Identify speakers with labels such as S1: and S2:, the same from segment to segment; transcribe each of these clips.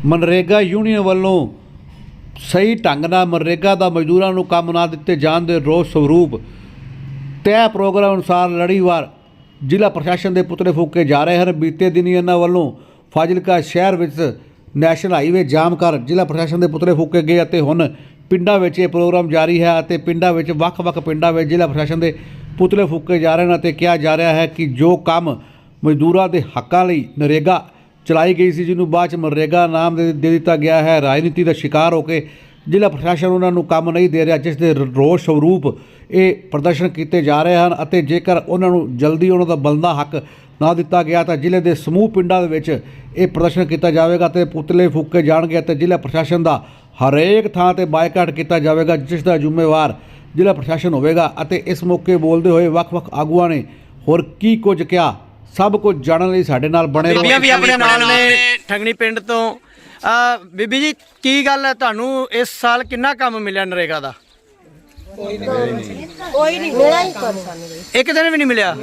S1: MNREGA union वालों सही ढंग नाल मनरेगा का मजदूरों को काम ना दिते जाने के रोस स्वरूप तय प्रोग्राम अनुसार लड़ीवार जिला प्रशासन के पुतले फूके जा रहे हैं। बीते दिन इन्होंने वालों फाजिलका शहर विच नैशनल हाईवे जाम कर जिला प्रशासन के पुतले फूके गए और हुण पिंडां विच ये प्रोग्राम जारी है और पिंडां विच वख-वख पिंडां विच जिला प्रशासन के पुतले फूके जा रहे हैं और कहा जा रहा है कि जो काम मजदूरों के हकों लई नरेगा चलाई गई सी जिन्होंने बाद मनरेगा नाम दे दिता गया है, राजनीति का शिकार होकर जिला प्रशासन उन्होंने काम नहीं दे रहा, जिस दे रोस स्वरूप ये प्रदर्शन किए जा रहे हैं और जेकर उन्होंने जल्दी उन्होंने बनदा हक ना दिता गया तो जिले के समूह पिंडों ये प्रदर्शन किया जाएगा तो पुतले फूके जाएंगे तो जिला प्रशासन का हरेक थां ते बायकाट किया जाएगा, जिसका जिम्मेवार जिला प्रशासन होगा। इस मौके बोलते हुए वख-वख आगुआं ने होर की कुछ क्या सब कुछ जानने लिए साडे नाल बने
S2: बीबियां भी अपने नाल ने ठंगनी पिंड तो बीबी जी की गल है तुहानू इस साल कितना काम मिलिया नरेगा दा?
S3: कोई नहीं मिला ही कर
S2: एक दिन भी नहीं मिलिया।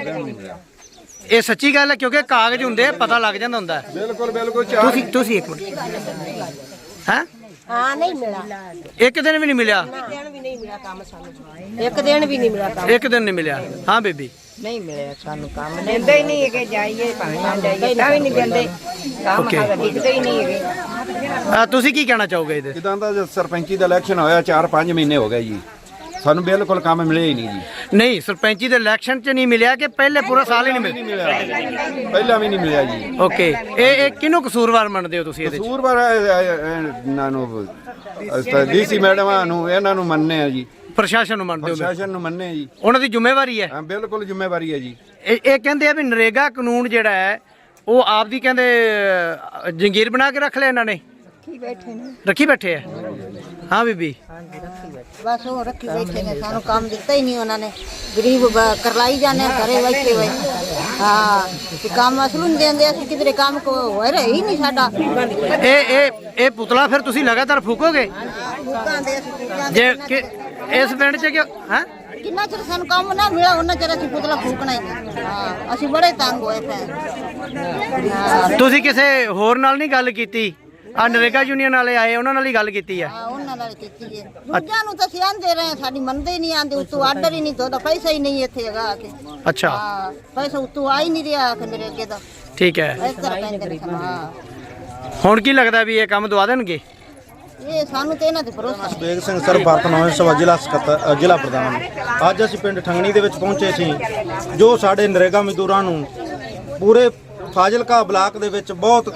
S2: ये सच्ची गल है क्योंकि कागज हुंदे पता लग जांदा हुंदा है।
S4: बिल्कुल बिल्कुल
S2: तुसी एक मिनट हैं
S3: हाँ नहीं मिला,
S2: एक दिन भी नहीं मिलिया।
S3: दिन भी नहीं मिला काम सानू, एक दिन भी नहीं मिला काम,
S2: एक दिन नहीं मिलिया। हाँ बीबी
S3: नहीं मिले सानू काम, दिंदे ही नहीं है कि जाइए भावें ना जाइए तां भी नहीं दिंदे काम, साਡਾ दिखते ही नहीं है।
S2: तुसी की कहना चाहोगे ਇਹਦੇ?
S4: ਜਿੱਦਾਂ ਦਾ ਸਰਪੰਚੀ ਦਾ ਇਲੈਕਸ਼ਨ ਹੋਇਆ 4-5 ਮਹੀਨੇ ਹੋ ਗਏ ਜੀ, ਸਾਨੂੰ ਬਿਲਕੁਲ ਕੰਮ ਮਿਲਿਆ ਹੀ ਨਹੀਂ ਜੀ।
S2: नहीं सरपंची दे इलेक्शन च नहीं मिलिया कि पहले पूरा साल ही नहीं मिलिया?
S4: ਪਹਿਲਾਂ ਵੀ ਨਹੀਂ ਮਿਲਿਆ ਜੀ।
S2: ओके ये किनू कसूरवार मनदे हो तुसी ਇਹਦੇ?
S4: ਕਸੂਰਵਾਰ ਇਹਨਾਂ ਨੂੰ ਡੀਸੀ ਮੈਡਮਾਂ ਨੂੰ ਇਹਨਾਂ ਨੂੰ ਮੰਨਨੇ ਆ ਜੀ,
S2: ਪ੍ਰਸ਼ਾਸਨ ਨੂੰ ਮੰਨਦੇ ਹੋ?
S4: ਪ੍ਰਸ਼ਾਸਨ ਨੂੰ ਮੰਨਨੇ ਆ ਜੀ,
S2: ਉਹਨਾਂ ਦੀ ਜ਼ਿੰਮੇਵਾਰੀ ਹੈ।
S4: ਹਾਂ ਬਿਲਕੁਲ ਜ਼ਿੰਮੇਵਾਰੀ ਹੈ ਜੀ।
S2: ਇਹ ਕਹਿੰਦੇ ਆ ਵੀ ਨਰੇਗਾ ਕਾਨੂੰਨ ਜਿਹੜਾ ਹੈ ਉਹ ਆਪ ਦੀ ਕਹਿੰਦੇ ਜੰਗੀਰ ਬਣਾ ਕੇ ਰੱਖ ਲਿਆ ਇਹਨਾਂ ਨੇ, ਰੱਖੀ ਬੈਠੇ ਆ। हाँ बीबी
S3: बस वो रखी बैठे ने, सानू काम दिता ही नहीं उन्होंने, गरीब करलाई जाने घरे बैठे हुए। हाँ काम असलू नहीं देंदे, असं किधरे काम को हो रहा ही नहीं साडा।
S2: ਇਹ ਪੁਤਲਾ ਫਿਰ ਤੁਸੀਂ ਲਗਾਤਾਰ ਫੂਕੋਗੇ ਜੇ ਕਿ ਇਸ ਪਿੰਡ 'ਚ ਕਿ ਹੈ
S3: किन्ना चਿਰ सानू काम ना मिला उन्ना चਿਰ ਅਸੀਂ ਪੁਤਲਾ ਫੂਕਣਾ ਹੀ नहीं। हाँ ਅਸੀਂ बड़े तंग होए पे।
S2: ਤੁਸੀਂ ਕਿਸੇ ਹੋਰ ਨਾਲ ਨਹੀਂ ਗੱਲ ਕੀਤੀ? ਆ ਨਰੇਗਾ ਯੂਨੀਅਨ ਵਾਲੇ ਆਏ ਉਹਨਾਂ ਨਾਲ ਹੀ ਗੱਲ ਕੀਤੀ ਆ?
S3: ਹਾਂ ਉਹਨਾਂ ਨਾਲ ਕੀਤੀ ਹੈ, ਦੂਜਿਆਂ ਨੂੰ ਤਾਂ ਅਸੀਂ ਆਂਦੇ ਰਹੇ, ਸਾਡੀ ਮੰਨਦੇ ਹੀ ਨਹੀਂ, ਆਂਦੇ ਉਤੋਂ ਆਰਡਰ ਹੀ ਨਹੀਂ, ਤੁਹਾਡਾ ਪੈਸਾ ਹੀ ਨਹੀਂ ਇੱਥੇ ਹੈਗਾ ਆ ਕੇ।
S2: ਅੱਛਾ
S3: ਹਾਂ ਪੈਸਾ ਉਤੋਂ ਆ ਹੀ ਨਹੀਂ ਰਿਹਾ ਮੇਰੇ ਅੱਗੇ ਦਾ,
S2: ਠੀਕ ਹੈ।
S3: ਇਸ ਤਰ੍ਹਾਂ ਕਹਿੰਦੇ ਨੇ ਸਾਨੂੰ। ਹਾਂ
S2: ਹੁਣ ਕੀ ਲੱਗਦਾ ਵੀ ਇਹ ਕੰਮ ਦਵਾ ਦੇਣਗੇ?
S3: ਇਹ ਸਾਨੂੰ ਤੇ ਇਹਨਾਂ ਤੇ ਭਰੋਸਾ।
S5: ਬੇਗ ਸਿੰਘ ਸਰ ਭਾਰਤ ਨੌਜਵਾਨ ਸਭਾ ਜ਼ਿਲ੍ਹਾ ਸਕੱਤਰ ਜ਼ਿਲ੍ਹਾ ਪ੍ਰਧਾਨ। ਅੱਜ ਅਸੀਂ ਪਿੰਡ ਠੰਗਣੀ ਦੇ ਵਿੱਚ ਪਹੁੰਚੇ ਸੀ, ਜੋ ਸਾਡੇ ਨਰੇਗਾ ਮਜ਼ਦੂਰਾਂ ਨੂੰ ਪੂਰੇ ਫਾਜ਼ਿਲਕਾ ਬਲਾਕ ਦੇ ਵਿੱਚ ਬਹੁਤ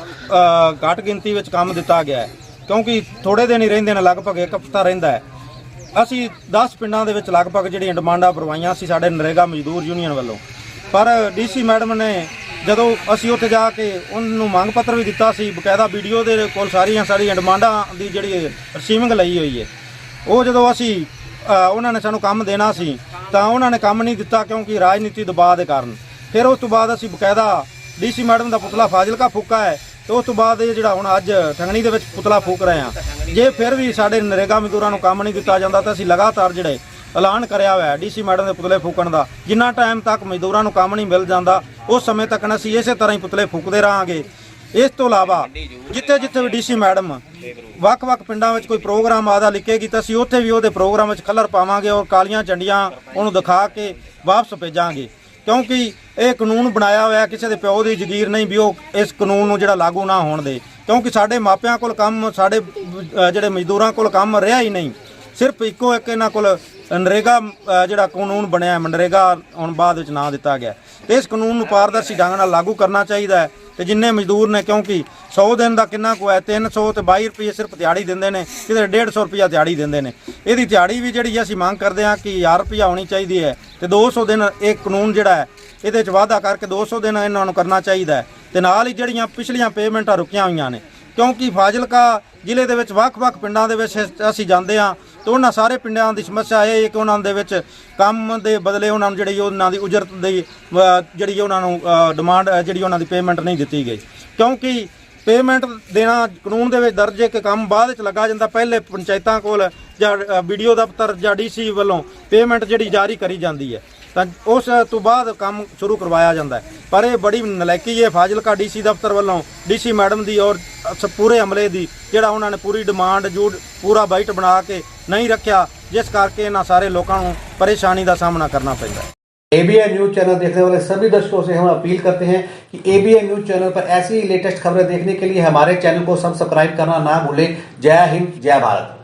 S5: ਘੱਟ ਗਿਣਤੀ ਵਿੱਚ ਕੰਮ ਦਿੱਤਾ ਗਿਆ ਹੈ, ਕਿਉਂਕਿ ਥੋੜੇ ਦਿਨ ਹੀ ਰਹਿੰਦੇ ਨੇ, ਲਗਭਗ ਇੱਕ ਹਫ਼ਤਾ ਰਹਿੰਦਾ ਹੈ। ਅਸੀਂ 10 ਪਿੰਡਾਂ ਦੇ ਵਿੱਚ ਲਗਭਗ ਜਿਹੜੀਆਂ ਡਿਮਾਂਡਾਂ ਭਰਵਾਈਆਂ ਸੀ ਸਾਡੇ ਨਰੇਗਾ ਮਜ਼ਦੂਰ ਯੂਨੀਅਨ ਵੱਲੋਂ, ਪਰ ਡੀਸੀ ਮੈਡਮ ਨੇ ਜਦੋਂ ਅਸੀਂ ਉੱਥੇ ਜਾ ਕੇ ਉਹਨੂੰ ਮੰਗ ਪੱਤਰ ਵੀ ਦਿੱਤਾ ਸੀ, ਬਕਾਇਦਾ ਵੀਡੀਓ ਦੇ ਕੋਲ ਸਾਡੀਆਂ ਡਿਮਾਂਡਾਂ ਦੀ ਜਿਹੜੀ ਰਿਸੀਵਿੰਗ ਲਈ ਹੋਈ ਹੈ। ਉਹ ਜਦੋਂ ਅਸੀਂ ਉਹਨਾਂ ਨੇ ਸਾਨੂੰ ਕੰਮ ਦੇਣਾ ਸੀ ਤਾਂ ਉਹਨਾਂ ਨੇ ਕੰਮ ਨਹੀਂ ਦਿੱਤਾ, ਕਿਉਂਕਿ ਰਾਜਨੀਤੀ ਦਬਾਅ ਦੇ ਕਾਰਨ। ਫਿਰ ਉਸ ਤੋਂ ਬਾਅਦ ਅਸੀਂ ਬਕਾਇਦਾ ਡੀਸੀ ਮੈਡਮ ਦਾ ਪੁਤਲਾ ਫਾਜ਼ਿਲਕਾ ਫੂਕਾ ਹੈ, ਤੇ ਉਸ ਤੋਂ ਬਾਅਦ ਇਹ ਜਿਹੜਾ ਹੁਣ ਅੱਜ ਠੰਗਣੀ ਦੇ ਵਿੱਚ ਪੁਤਲਾ ਫੂਕ ਰਹੇ ਹਾਂ। ਜੇ ਫਿਰ ਵੀ ਸਾਡੇ ਨਰੇਗਾ ਮਜ਼ਦੂਰਾਂ ਨੂੰ ਕੰਮ ਨਹੀਂ ਦਿੱਤਾ ਜਾਂਦਾ ਤਾਂ ਅਸੀਂ ਲਗਾਤਾਰ ਜਿਹੜੇ ਐਲਾਨ ਕਰਿਆ ਹੋਇਆ ਡੀਸੀ ਮੈਡਮ ਦੇ ਪੁਤਲੇ ਫੂਕਣ ਦਾ, ਜਿੰਨਾ ਟਾਈਮ ਤੱਕ ਮਜ਼ਦੂਰਾਂ ਨੂੰ ਕੰਮ ਨਹੀਂ ਮਿਲ ਜਾਂਦਾ ਉਸ ਸਮੇਂ ਤੱਕ ਅਸੀਂ ਇਸੇ ਤਰ੍ਹਾਂ ਹੀ ਪੁਤਲੇ ਫੂਕਦੇ ਰਹਾਂਗੇ। ਇਸ ਤੋਂ ਇਲਾਵਾ ਜਿੱਥੇ ਵੀ ਡੀਸੀ ਮੈਡਮ ਵੱਖ-ਵੱਖ ਪਿੰਡਾਂ ਵਿੱਚ ਕੋਈ ਪ੍ਰੋਗਰਾਮ ਆਦਾ ਲਿਖੇਗੀ ਤਾਂ ਅਸੀਂ ਉੱਥੇ ਵੀ ਉਹਦੇ ਪ੍ਰੋਗਰਾਮ ਵਿੱਚ ਕਲਰ ਪਾਵਾਂਗੇ ਔਰ ਕਾਲੀਆਂ ਝੰਡੀਆਂ ਉਹਨੂੰ ਦਿਖਾ ਕੇ ਵਾਪਸ ਭੇਜਾਂਗੇ, ਕਿਉਂਕਿ ਇਹ ਕਾਨੂੰਨ ਬਣਾਇਆ ਹੋਇਆ ਕਿਸੇ ਦੇ ਪਿਓ ਦੀ ਜ਼ਗੀਰ ਨਹੀਂ ਵੀ ਉਹ ਇਸ ਕਾਨੂੰਨ ਨੂੰ ਜਿਹੜਾ ਲਾਗੂ ਨਾ ਹੋਣ ਦੇ, ਕਿਉਂਕਿ ਸਾਡੇ ਮਾਪਿਆਂ ਕੋਲ ਕੰਮ, ਸਾਡੇ ਜਿਹੜੇ ਮਜ਼ਦੂਰਾਂ ਕੋਲ ਕੰਮ ਰਿਹਾ ਹੀ ਨਹੀਂ। ਸਿਰਫ ਇੱਕੋ ਇੱਕ ਇਹਨਾਂ ਕੋਲ ਨਰੇਗਾ ਜਿਹੜਾ ਕਾਨੂੰਨ ਬਣਿਆ ਮਨਰੇਗਾ ਹੁਣ ਬਾਅਦ ਵਿੱਚ ਨਾਂ ਦਿੱਤਾ ਗਿਆ, ਤੇ ਇਸ ਕਾਨੂੰਨ ਨੂੰ ਪਾਰਦਰਸ਼ੀ ਢੰਗ ਨਾਲ ਲਾਗੂ ਕਰਨਾ ਚਾਹੀਦਾ ਹੈ। ਤੇ ਜਿੰਨੇ ਮਜ਼ਦੂਰ ਨੇ, ਕਿਉਂਕਿ 100 ਦਿਨ ਦਾ ਕਿੰਨਾ ਕੁ ਹੈ, 322 ਰੁਪਏ ਸਿਰਫ ਦਿਹਾੜੀ ਦਿੰਦੇ ਨੇ, ਕਿਤੇ 150 ਰੁਪਇਆ ਦਿਹਾੜੀ ਦਿੰਦੇ ਨੇ। ਇਹਦੀ ਦਿਹਾੜੀ ਵੀ ਜਿਹੜੀ ਅਸੀਂ ਮੰਗ ਕਰਦੇ ਹਾਂ ਕਿ 1000 ਰੁਪਇਆ ਹੋਣੀ ਚਾਹੀਦੀ ਹੈ, ਤੇ 200 ਦਿਨ ਇਹ ਕਾਨੂੰਨ ਜਿਹੜਾ ਹੈ ਇਹਦੇ 'ਚ ਵਾਅਦਾ ਕਰਕੇ 200 ਦਿਨ ਇਹਨਾਂ ਨੂੰ ਕਰਨਾ ਚਾਹੀਦਾ ਹੈ। ਤੇ ਨਾਲ ਹੀ ਜਿਹੜੀਆਂ ਪਿਛਲੀਆਂ ਪੇਮੈਂਟਾਂ ਰੁਕੀਆਂ ਹੋਈਆਂ ਨੇ, ਕਿਉਂਕਿ ਫਾਜ਼ਿਲਕਾ ਜ਼ਿਲ੍ਹੇ ਦੇ ਵਿੱਚ ਵੱਖ-ਵੱਖ ਪਿੰਡਾਂ ਦੇ ਵਿੱਚ ਅਸੀਂ ਜਾਂਦੇ ਹਾਂ ਤਾਂ ਉਹਨਾਂ ਸਾਰੇ ਪਿੰਡਾਂ ਦੀ ਸਮੱਸਿਆ ਇਹ ਹੈ ਕਿ ਉਹਨਾਂ ਦੇ ਵਿੱਚ ਕੰਮ ਦੇ ਬਦਲੇ ਉਹਨਾਂ ਨੂੰ ਜਿਹੜੀ ਉਹਨਾਂ ਦੀ ਉਜਰਤ ਦੀ ਜਿਹੜੀ ਉਹਨਾਂ ਨੂੰ ਡਿਮਾਂਡ ਜਿਹੜੀ ਉਹਨਾਂ ਦੀ ਪੇਮੈਂਟ ਨਹੀਂ ਦਿੱਤੀ ਗਈ, ਕਿਉਂਕਿ ਪੇਮੈਂਟ ਦੇਣਾ ਕਾਨੂੰਨ ਦੇ ਵਿੱਚ ਦਰਜ ਹੈ ਕਿ ਕੰਮ ਬਾਅਦ ਵਿੱਚ ਲੱਗਾ ਜਾਂਦਾ, ਪਹਿਲੇ ਪੰਚਾਇਤਾਂ ਕੋਲ ਜਾਂ ਵੀਡੀਓ ਦਫ਼ਤਰ ਜਾਂ ਡੀਸੀ ਵੱਲੋਂ ਪੇਮੈਂਟ ਜਿਹੜੀ ਜਾਰੀ ਕਰੀ ਜਾਂਦੀ ਹੈ ਤਾਂ ਉਸ ਤੋਂ ਬਾਅਦ ਕੰਮ ਸ਼ੁਰੂ ਕਰਵਾਇਆ ਜਾਂਦਾ ਹੈ। ਪਰ ਇਹ ਬੜੀ ਨਲਾਇਕੀ ਹੈ ਫਾਜ਼ਿਲਕਾ ਡੀਸੀ ਦਫ਼ਤਰ ਵੱਲੋਂ ਡੀਸੀ ਮੈਡਮ ਦੀ ਔਰ ਪੂਰੇ ਅਮਲੇ ਦੀ ਜਿਹੜਾ ਉਹਨਾਂ ਨੇ ਪੂਰੀ ਡਿਮਾਂਡ ਜੋ ਪੂਰਾ ਬਾਈਟ ਬਣਾ ਕੇ ਨਹੀਂ ਰੱਖਿਆ, ਜਿਸ ਕਰਕੇ ਇਹਨਾਂ ਸਾਰੇ ਲੋਕਾਂ ਨੂੰ ਪਰੇਸ਼ਾਨੀ ਦਾ ਸਾਹਮਣਾ करना पैंदा है।
S1: ABN न्यूज चैनल देखने वाले सभी दर्शकों से हम अपील करते हैं कि ABN न्यूज चैनल पर ऐसी ही लेटेस्ट खबरें देखने के लिए हमारे चैनल को सब्सक्राइब करना ना भूलें। जय हिंद, जय भारत।